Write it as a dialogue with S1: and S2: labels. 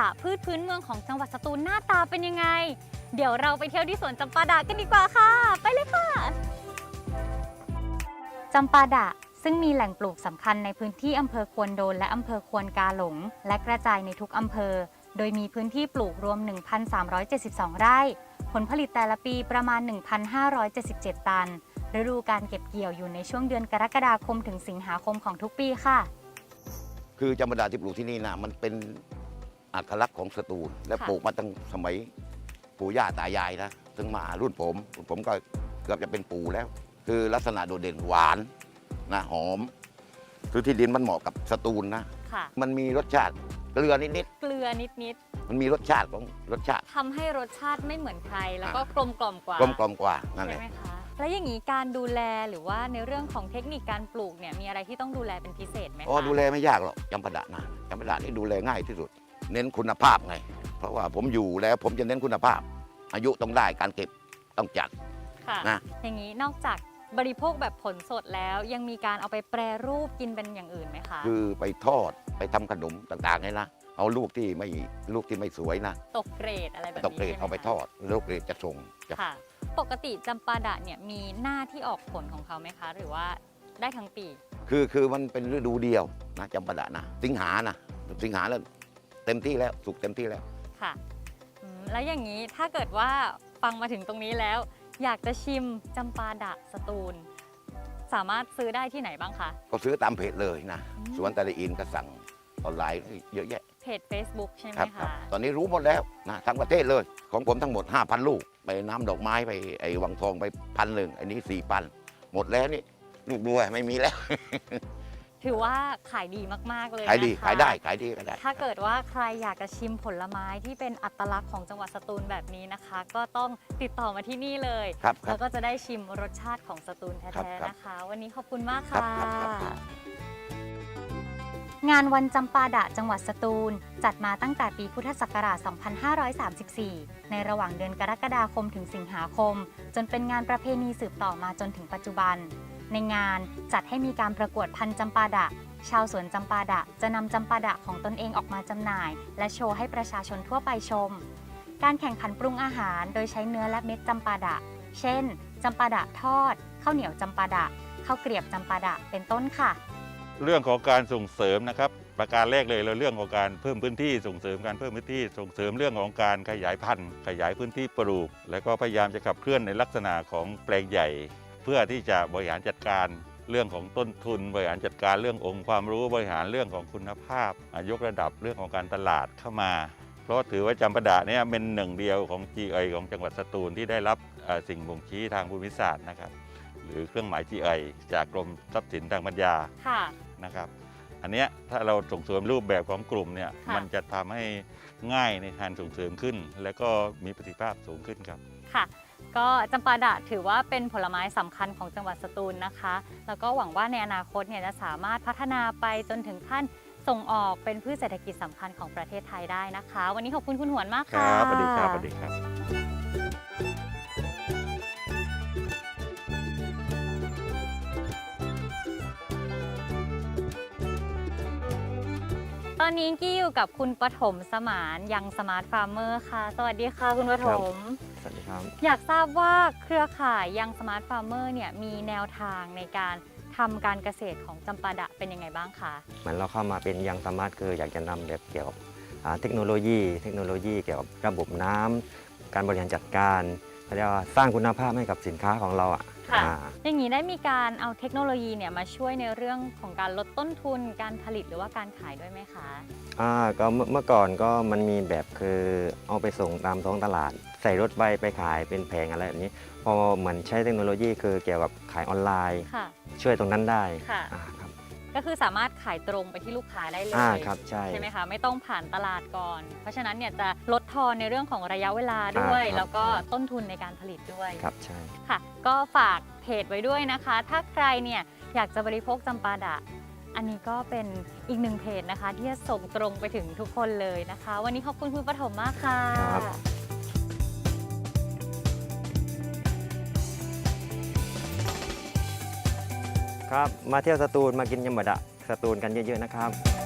S1: พืชพื้นเมืองของจังหวัดสตูลหน้าตาเป็นยังไงเดี๋ยวเราไปเที่ยวที่สวนจำปาดะกันดีกว่าค่ะไปเลยค่ะจำปาดะซึ่งมีแหล่งปลูกสำคัญในพื้นที่อำเภอควนโดนและอำเภอควนกาหลงและกระจายในทุกอำเภอโดยมีพื้นที่ปลูกรวม 1,372 ไร่ผลผลิตแต่ละปีประมาณ 1,577 ตันฤดูการเก็บเกี่ยวอยู่ในช่วงเดือนกรกฎาคมถึงสิงหาคมของทุกปีค่ะ
S2: คือจำปาดะที่ปลูกที่นี่นะมันเป็นอัตลักษณ์ของสตูลและปลูกมาตั้งสมัยปู่ย่าตายายนะถึงมารุ่นผมก็เกือบจะเป็นปู่แล้วคือลักษณะโดดเด่นหวานนะหอมคือที่ดินมันเหมาะกับสตูลนะมันมีรสชาติเกลือนิดมันมีรสชาติ
S1: ทำให้รสชาติไม่เหมือนใครแล้วก็กลมกล่อมกว่า
S2: นั่นแหละ
S1: ใช่ไหมคะแล้วอย่างนี้การดูแลหรือว่าในเรื่องของเทคนิคการปลูกเนี่ยมีอะไรที่ต้องดูแลเป็นพิเศษไหมคะ
S2: ดูแลไม่ยากหรอกจำปาดะนะจำปาดะนี่ดูแลง่ายที่สุดเน้นคุณภาพไงเพราะว่าผมอยู่แล้วผมจะเน้นคุณภาพอายุต้องได้การเก็บต้องจัด
S1: นะอย่างนี้นอกจากบริโภคแบบผลสดแล้วยังมีการเอาไปแปรรูปกินเป็นอย่างอื่นไหมคะ
S2: คือไปทอดไปทำขนมต่างๆไงนะเอาลูกที่ไม่สวยนะ
S1: ตกเกรดอะไรแบบนี้
S2: ตกเกรดเอาไปทอดลูกเกรดจะส่ง
S1: ค่ะปกติจำปาดะเนี่ยมีหน้าที่ออกผลของเขาไหมคะหรือว่าได้ทั้งปี
S2: คือมันเป็นฤดูเดียวนะจำปาดะนะสิงหาแล้วเต็มที่แล้วสุกเต็มที่แล้ว
S1: ค่ะแล้วอย่างนี้ถ้าเกิดว่าฟังมาถึงตรงนี้แล้วอยากจะชิมจำปาดะสตูลสามารถซื้อได้ที่ไหนบ้างคะ
S2: ก็ซื้อตามเพจเลยนะสวนตะลีอินก็สั่งออนไลน์เยอะแยะ
S1: เพจ Facebook ใช่ไหมคะ
S2: ตอนนี้รู้หมดแล้วนะทั้งประเทศเลยของผมทั้งหมด 5,000 ลูกไปน้ำดอกไม้ไปไอ้วังทองไป1,000อันนี้ 4,000หมดแล้วนี่ลูกด้วยไม่มีแล้ว
S1: ถือว่าขายดีมากๆเลย
S2: ขายดีขายได้ก็ได้
S1: ถ้าเกิดว่าใครอยากจะชิมผลไม้ที่เป็นอัตลักษณ์ของจังหวัดสตูลแบบนี้นะคะก็ต้องติดต่อมาที่นี่เลยแล้วก็จะได้ชิมรสชาติของสตูลแท้ๆนะคะวันนี้ขอบคุณมากค่ะงานวันจำปาดะจังหวัดสตูลจัดมาตั้งแต่ปีพุทธศักราช 2534 ในระหว่างเดือนกรกฎาคมถึงสิงหาคมจนเป็นงานประเพณีสืบต่อมาจนถึงปัจจุบันในงานจัดให้มีการประกวดพันธุ์จำปาดะชาวสวนจำปาดะจะนำจำปาดะของตนเองออกมาจำหน่ายและโชว์ให้ประชาชนทั่วไปชมการแข่งขันปรุงอาหารโดยใช้เนื้อและเม็ดจำปาดะเช่นจำปาดะทอดข้าวเหนียวจำปาดะข้าวเกรียบจำปาดะเป็นต้นค่ะ
S3: เรื่องของการส่งเสริมนะครับประการแรกเลยเราเรื่องของการเพิ่มพื้นที่ส่งเสริมการเพิ่มพื้นที่ส่งเสริมเรื่องของการขยายพันธุ์ขยายพื้นที่ปลูกแล้วก็พยายามจะขับเคลื่อนในลักษณะของแปลงใหญ่เพื่อที่จะบริหารจัดการเรื่องของต้นทุนบริหารจัดการเรื่ององค์ความรู้บริหารเรื่องของคุณภาพยกระดับเรื่องของการตลาดเข้ามาเพราะถือว่าจำปาดะเนี่ยเป็นหนึ่งเดียวของ GI ของจังหวัดสตูลที่ได้รับสิ่งบ่งชี้ทางภูมิศาสตร์นะครับหรือเครื่องหมาย GI จากกรมทรัพย์สินทางปัญญานะครับอันนี้ถ้าเราส่งเสริมรูปแบบของกลุ่มเนี่ยมันจะทำให้ง่ายในการส่งเสริมขึ้นและก็มีประสิทธิภาพสูงขึ้นครับ
S1: ค่ะก็จำปาดะถือว่าเป็นผลไม้สำคัญของจังหวัดสตูลนะคะแล้วก็หวังว่าในอนาคตเนี่ยจะสามารถพัฒนาไปจนถึงขั้นส่งออกเป็นพืชเศรษฐกิจสำคัญของประเทศไทยได้นะคะวันนี้ขอบคุณคุณหวนมากค่ะ
S3: สวัสดีครับสวัสดีครับ
S1: ตอนนี้กี้อยู่กับคุณปฐมสมานยังสมาร์ทฟาร์มเมอร์ค่ะสวัสดีค่ะคุณปฐม
S4: สวัสดีครับ
S1: อยากทราบว่าเครือข่ายยังสมาร์ทฟาร์มเมอร์เนี่ยมีแนวทางในการทำการเกษตรของจำปาดะเป็นยังไงบ้างคะ
S4: เหมือนเราเข้ามาเป็นยังสมาร์ทคืออยากจะนำแบบเกี่ยวกับเทคโนโลยีเกี่ยวกับระบบน้ำการบริหารจัดการเรียกว่าสร้างคุณภาพให้กับสินค้าของเรา
S1: อย่างนี้ได้มีการเอาเทคโนโลยีเนี่ยมาช่วยในเรื่องของการลดต้นทุนการผลิตหรือว่าการขายด้วยไหมคะ
S4: ก็เมื่อก่อนก็มันมีแบบคือเอาไปส่งตามท้องตลาดใส่รถไปขายเป็นแผงอะไรแบบนี้พอเหมือนใช้เทคโนโลยีคือเกี่ยวกับขายออนไลน์ช่วยตรงนั้นได้
S1: ก็คือสามารถขายตรงไปที่ลูกค้าได้เลยใช่ไหมคะไม่ต้องผ่านตลาดก่อนเพราะฉะนั้นเนี่ยจะลดทอนในเรื่องของระยะเวลาด้วยแล้วก็ต้นทุนในการผลิตด้วย
S4: ครับใช่
S1: ค่ะก็ฝากเพจไว้ด้วยนะคะถ้าใครเนี่ยอยากจะบริโภคจำปาดะอันนี้ก็เป็นอีกหนึ่งเพจนะคะที่จะส่งตรงไปถึงทุกคนเลยนะคะวันนี้ขอบคุณคุณปฐมมากค่ะ
S4: ครับมาเที่ยวสตูลมากินยำบะดะสตูลกันเยอะๆนะครับ